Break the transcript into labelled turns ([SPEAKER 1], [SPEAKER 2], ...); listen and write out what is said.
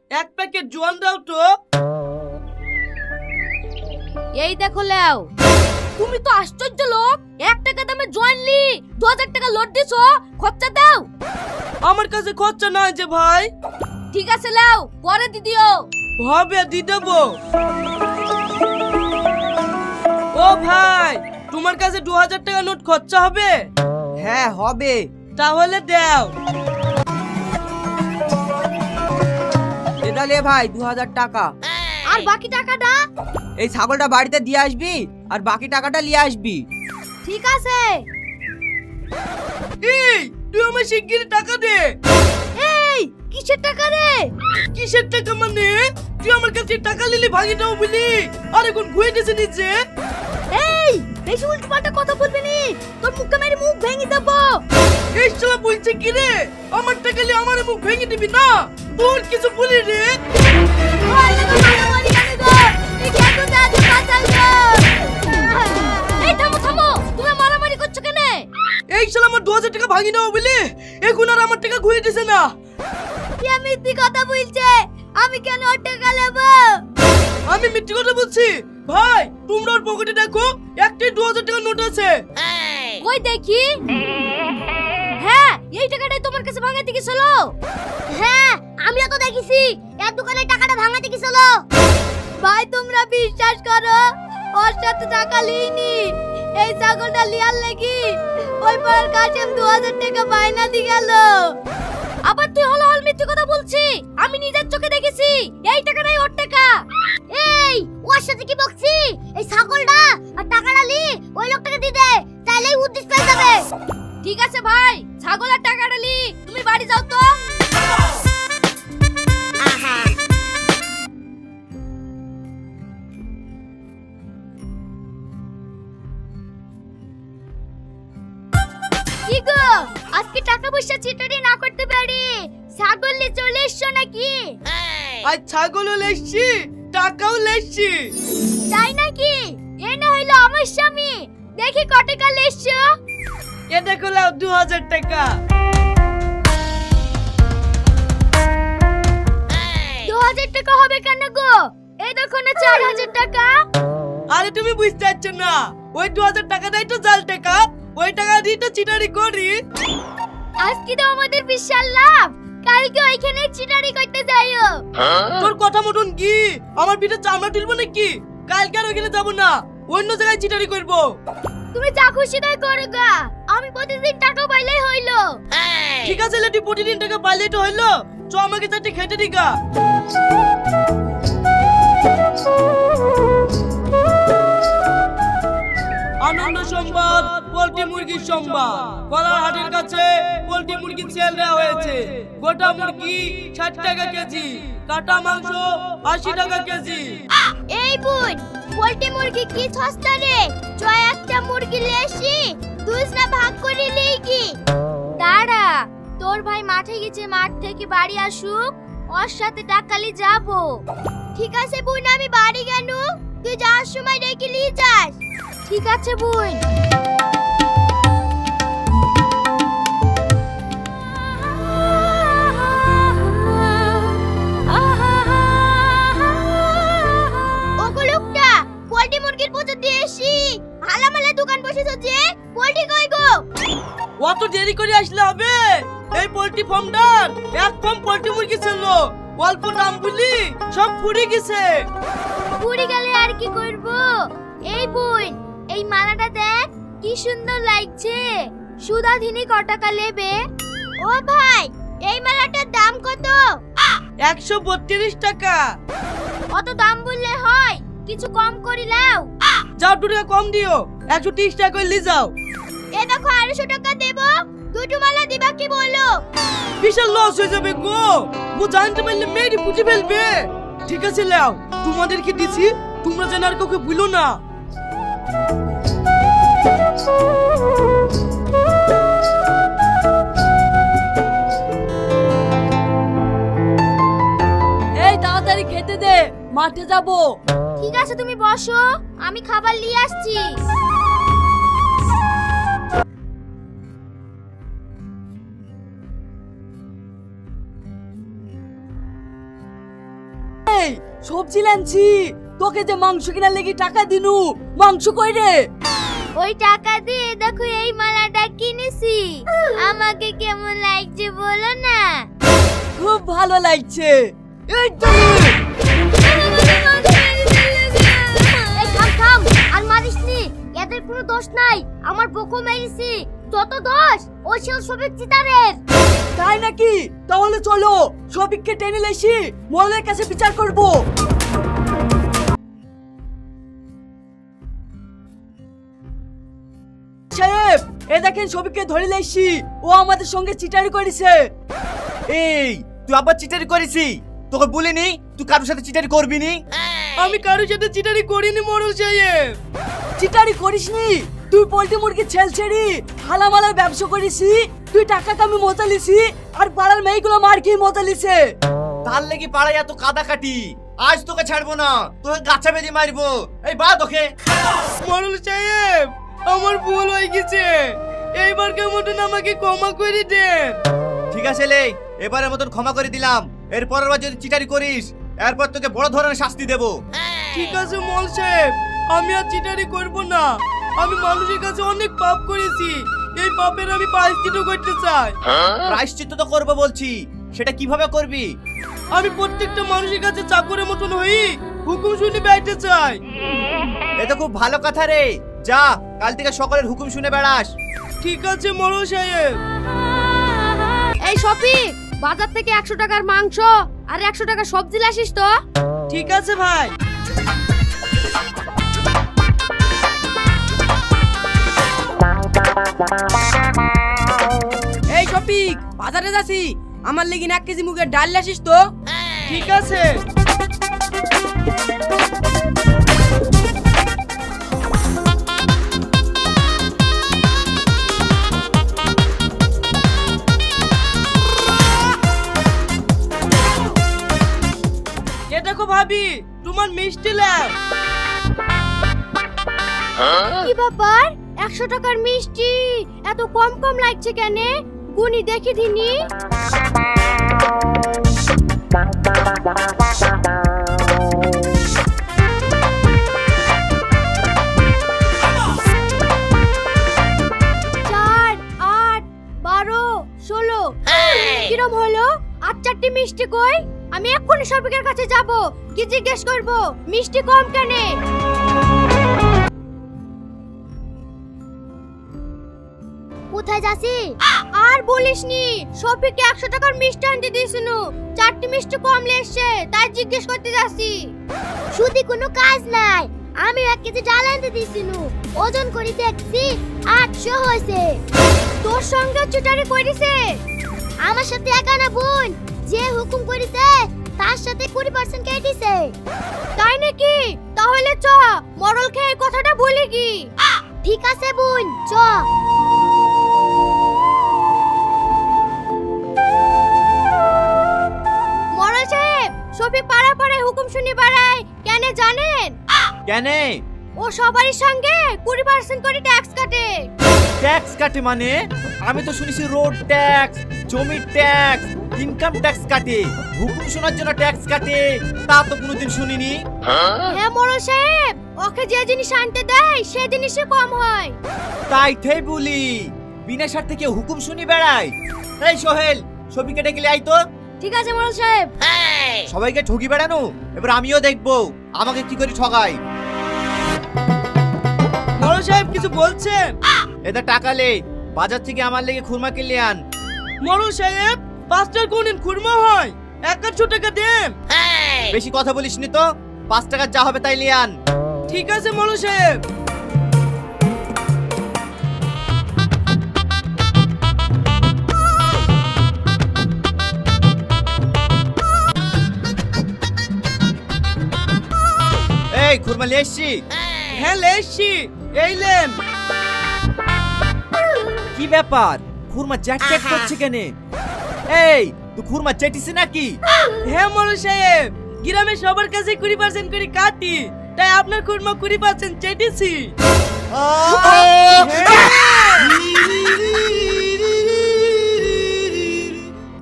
[SPEAKER 1] এক প্যাকেট জোয়ান দাও তো।
[SPEAKER 2] এই দেখো লেও, তুমি তো আশ্চর্য লোক। 1 টাকা দামে জয়েনলি 2000 টাকা লোড দিছো, খরচা দাও।
[SPEAKER 1] আমার কাছে খরচা নাই যে ভাই।
[SPEAKER 2] ঠিক আছে লেও, পরে দি দিও।
[SPEAKER 1] হবে দি দেবো। ও ভাই, তোমার কাছে 2000 টাকা নোট খরচা হবে?
[SPEAKER 3] হ্যাঁ হবে।
[SPEAKER 1] তাহলে দাও।
[SPEAKER 3] এটা লে ভাই 2000 টাকা।
[SPEAKER 2] আর বাকি টাকাটা?
[SPEAKER 3] এই ছাগলটা বাড়িতে দিয়ে আসবি আর বাকি টাকাটা নিয়ে আসবি।
[SPEAKER 2] ঠিক আছে।
[SPEAKER 1] এই তুই আমার শিগগিরই টাকা দে।
[SPEAKER 2] এই কিসের টাকা রে?
[SPEAKER 1] কিসের টাকা মানে? তুই আমার কাছে টাকা নিলি ভাঙি দাও বলি, আর এখন ঘুরে দিছে নিচে।
[SPEAKER 2] এই বেশি উল্টোপাল্টা কথা বলবি নি, তোর মুখে মেরে মুখ ভেঙে দেবো।
[SPEAKER 1] এই শালা বলছে কি রে? আমার টাকা নিয়ে আমার মুখ ভেঙে দিবি না? তোর কিছু বলি রে?
[SPEAKER 2] এই থামো থামো, তুমি মারামারি করছো কেন?
[SPEAKER 1] এই শালা আমার 2000 টাকা ভাঙি নাও বলি, এখন আর আমার টাকা ঘুরে দিছে না।
[SPEAKER 2] কি মিথ্যে কথা বলছে? আমি কেন ওর টাকা নেব?
[SPEAKER 1] আমি মিথ্যে কথা বলছি? ভাই তোমরা ওর পকেটে দেখো, একটাই 2000 টাকা নোট আছে।
[SPEAKER 2] কই দেখি। হ্যাঁ, এই টাকাটাই তোমার কাছে ভাঙাতে গেছিল। হ্যাঁ, আমিও তো দেখেছি এর দোকানে টাকাটা ভাঙাতে গেছিল। ভাই তোমরা বিশ্বাস করো, ওর সাথে টাকা লিইনি। এই ছাগলটা লিয়ার লাগি ওই পাড়ার কাশেম 2000 টাকা বাইনা দি গেল। আবার তুই হল হল মিথ্যে কথা বলছি। আমি নিজের চোখে দেখেছি এই টাকাটাই ওর টাকা। এই ওর সাথে কি বকছি? এই ছাগলটা আর টাকাটা লি ওই লোকটাকে দি দে, তাইলেই উদ্দেশ্য পেয়ে যাবে। ঠিক আছে ভাই, ছাগল আর টাকাটা লি, তুমি বাড়ি যাও তো। কি গো, আজকে টাকা পয়সা চিটারি না করতে পারি, ছাগল নিয়ে চলে এসছো নাকি?
[SPEAKER 1] আর ছাগলও লেসছি, টাকাও লেসছি।
[SPEAKER 2] তাই নাকি? এ না হইলো আমার স্বামী। দেখি কত টাকা লেসছো।
[SPEAKER 1] এ দেখো লাও 2000 টাকা।
[SPEAKER 2] 2000 টাকা হবে কেন গো? এই দেখো না 4000 টাকা।
[SPEAKER 1] আরে তুমি বুঝতে পারছো না, ওই 2000 টাকাটাই তো জাল টাকা, ওই টাকা দিয়ে তো চিটারি করি।
[SPEAKER 2] আজকে তো আমাদের বিশাল লাভ, কালকে ওইখানে চিটারি করতে যাইও।
[SPEAKER 1] তোর কথা মতন কি আমার পিঠে চামড়া তুলবো নাকি? কালকে আর ওইখানে যাবো না, অন্য জায়গায় চিটারি করবো।
[SPEAKER 2] তুমি যা খুশি তাই করো গা, আমি প্রতিদিন টাকা পাইলেই হইলো।
[SPEAKER 1] ঠিক আছে লেটি, প্রতিদিন টাকা পাইলেই তো হইলো। চ আমাকে চারটে খেতে দিগা। আনন্দ সংবাদ, পোল্ট্রি মুরগির সংবাদ। কলারহাটের কাছে পোল্ট্রি মুরগির সেল দেওয়া হয়েছে। গোটা মুরগি 60 টাকা কেজি, কাটা মাংস 80 টাকা কেজি।
[SPEAKER 2] এই বোন, পোল্ট্রি মুরগি কি সস্তা রে? জয় একটা মুরগি লেসি দুসরা ভাগ করে লেগি। দাঁড়া, তোর ভাই মাঠে গেছে, মাঠ থেকে বাড়ি আসুক, ওর সাথে টাকালি যাব। ঠিক আছে বোন, আমি বাড়ি গেল, তুই যাওয়ার সময় রেখে নিয়ে যাস। ঠিক আছে বোন। ওগো লোকটা, পোল্ট্রি মুরগির প্রচার দিয়ে এসি, হালামালা দোকান বসেছ যে, পোল্ট্রি কই গো?
[SPEAKER 1] অত দেরি করে আসলে হবে? এই পোল্ট্রি ফার্মটার এক ফার্ম পোল্ট্রি মুরগি ছিল, অল্প দাম বলি সব ফুরে গেছে।
[SPEAKER 2] পুরি গেলে আর কি করব? এই বোন, এই মালাটা দেখ কি সুন্দর লাগছে। সুধাধিনী ক টাকা নেবে? ও ভাই, এই মালাটার দাম কত?
[SPEAKER 1] 132 টাকা।
[SPEAKER 2] অত দাম বললে হয়, কিছু কম করি লাও।
[SPEAKER 1] যাও 2 টাকা কম দিও, 130 টাকা করে লি যাও।
[SPEAKER 2] এ দেখো 250 টাকা দেব, দুটো মালা দিবা কি বলো?
[SPEAKER 1] বিশাল লস হয়ে যাবে গো, ও জানতে পারলে মেয়েরই পুঁজি ফেলবে। ঠিক আছে লাও, তোমাদেরকে দিছি, তোমরা যেন আর কাউকে ভুলো না। এই তাড়াতাড়ি খেতে দে, মাঠে যাবো।
[SPEAKER 2] ঠিক আছে তুমি বসো, আমি খাবার নিয়ে আসছি।
[SPEAKER 1] এই সবজি লানছি, তোকে যে মাংস কিনার লেগে টাকা দিনু, মাংস কই রে?
[SPEAKER 2] ওই টাকা দিয়ে দেখো এই মালাটা কিনেছি, আমাকে কেমন লাগছে বলো না?
[SPEAKER 1] খুব ভালো লাগছে। এই তো
[SPEAKER 2] এই থাম থাম, আর মারিস নি, এদের কোনো দোষ নাই, আমার বকো মেরেছি। যত দোষ ওই ছিল সবিক চিতারের।
[SPEAKER 1] তাই নাকি? তাহলে চলো সবিককে টেনে লেসি, মোড়লের কাছে বিচার করব। সাহেব, এ দেখেন সবিককে ধরে লেসি, ও আমাদের সঙ্গে চিটারি করেছে।
[SPEAKER 4] এই তুই আবার চিটারি করেছি? তোকে বলিনি তুই কারোর সাথে চিটারি করবি নি?
[SPEAKER 1] আমি কারোর সাথে চিটারি করিনি মোড়ল সাহেব। চিটারি করিসনি? তুই পোল্ট্রি মুরগি ছেল ছেড়ি হালামালার ব্যবসা করিসি, তুই টাকা কামি মোতালিসি, আর পাড়ার মেয়েগুলো মার খেয়ে মোতালিছে।
[SPEAKER 4] তার লেগে পাড়ায় এত কাদা কাটি, আজ তোকে ছাড়বো না, তোকে গাছা বেঁধে মারবো। এই বা তোকে।
[SPEAKER 1] মোড়ল সাহেব, আমার ভুল হয়ে গেছে, এইবারকার মতন আমাকে ক্ষমা করে দেন।
[SPEAKER 4] ঠিক আছে লে, এবারের মতন ক্ষমা করে দিলাম, এরপরের বার যদি চিটারি করিস এরপর তোকে বড় ধরনের শাস্তি দেবো।
[SPEAKER 1] ঠিক আছে মোড়ল সাহেব, আমি আর চিটারি করব না। আমি মানুষের কাছে অনেক পাপ করেছি, এই পাপের আমি প্রায়শ্চিত্ত করতে চাই।
[SPEAKER 4] প্রায়শ্চিত্ত তো করবো বলছি, সেটা কিভাবে করবি?
[SPEAKER 1] আমি প্রত্যেকটা মানুষের কাছে চাকরের মতন হই হুকুম শুনে বেড়াতে চাই।
[SPEAKER 4] এটা খুব ভালো কথা রে, যা কাল থেকে সকলের হুকুম শুনে বেড়াস।
[SPEAKER 1] ঠিক আছে মোড়ল সাহেব।
[SPEAKER 2] এই শফিক, বাজার থেকে 100 টাকার মাংস আর 100 টাকা সবজি লাসিস তো।
[SPEAKER 1] ঠিক আছে ভাই।
[SPEAKER 3] এই শফিক, বাজারে যাচ্ছি, আমার লেগে 1 কেজি মুগের ডাল লাসিস তো।
[SPEAKER 1] ঠিক আছে। এ দেখো ভাবি, তোমার মিষ্টি ল্যাব।
[SPEAKER 2] কি ব্যাপার, 100 টাকার মিষ্টি এত কম কম লাগছে কেন? গুনি দেখি দিনি। চার, 8, 12, 16। কিরম হলো? আর 4টি মিষ্টি কই? আমি এক্ষুনি শফিকের কাছে যাব, কি জিজ্ঞেস করব মিষ্টি কম কেন? কোথায় যাচ্ছি? আর বলিসনি, শফিককে 100 টাকার মিষ্টি আনতে দিয়েছিল, 4টি মিষ্টি কম লেসছে, তাই জিজ্ঞেস করতে যাচ্ছি। শুধু কোনো কাজ নাই, আমি 1 কেজি ডাল আনতে দিয়েছিল, ওজন করে দেখছি 800 হয়েছে। তোর সঙ্গে চিটারি করেছে? আমার সাথে একা না বোন, যে হুকুম করেছে তার সাথে 20% কেটেছে। তাই নাকি? তাহলে চ মরল খেয়ে কথাটা বলে কি। ঠিক আছে বোন, চ। মরল সাহেব, শফিক পাড়া পাড়ায় হুকুম শুনে বেড়ায় কেন জানেন?
[SPEAKER 4] কেন?
[SPEAKER 2] ও সবারই সঙ্গে 20% করে ট্যাক্স কাটে।
[SPEAKER 4] ট্যাক্স কাটে মানে? আমি তো শুনেছি রোড ট্যাক্স, জমির ট্যাক্স, ইনকাম ট্যাক্স কাটে, হুকুম শোনার জন্য ট্যাক্স কাটে, তা তো কোনোদিন শুনিনি।
[SPEAKER 2] হ্যাঁ মরল সাহেব, ওকে যে জিনিস আনতে দেয় সে জিনিসই কম হয়।
[SPEAKER 4] তাই থেই বলি, বিনা স্বার্থে কেউ হুকুম শুনি বেড়ায়। এই সোহেল, ছবিকে ডেকে আই তো।
[SPEAKER 2] ঠিক আছে মরল সাহেব।
[SPEAKER 4] সবাইকে ঠকি বেড়ানো, এবার আমিও দেখবো আমাকে কি করে ঠগাই।
[SPEAKER 1] মোড়ল সাহেব কিছু বলছেন?
[SPEAKER 4] এটা টাকা লে, বাজার থেকে আমার লেগে খুরমা কিনলে আন।
[SPEAKER 1] মোড়ল সাহেব, 5টার কোনদিন খুরমা হয়? 100 টাকা দেন।
[SPEAKER 4] বেশি কথা বলিসনি তো, 5 টাকার যা হবে তাই নিয়ে আন।
[SPEAKER 1] ঠিক আছে মোড়ল সাহেব।
[SPEAKER 4] এই খুরমা নিয়ে এসছি।
[SPEAKER 1] হ্যাঁ লেসি, এই লেন।
[SPEAKER 4] কি ব্যাপার, খুরমা চ্যাট চ্যাট করছে কেন? এই তুই খুরমা চেটিস নাকি?
[SPEAKER 1] হ্যাঁ মোড়ল সাহেব, গ্রামে সবার কাছে 20% করে কাটি, তাই আপনার খুরমা 20% চেটেছি।
[SPEAKER 4] আহ!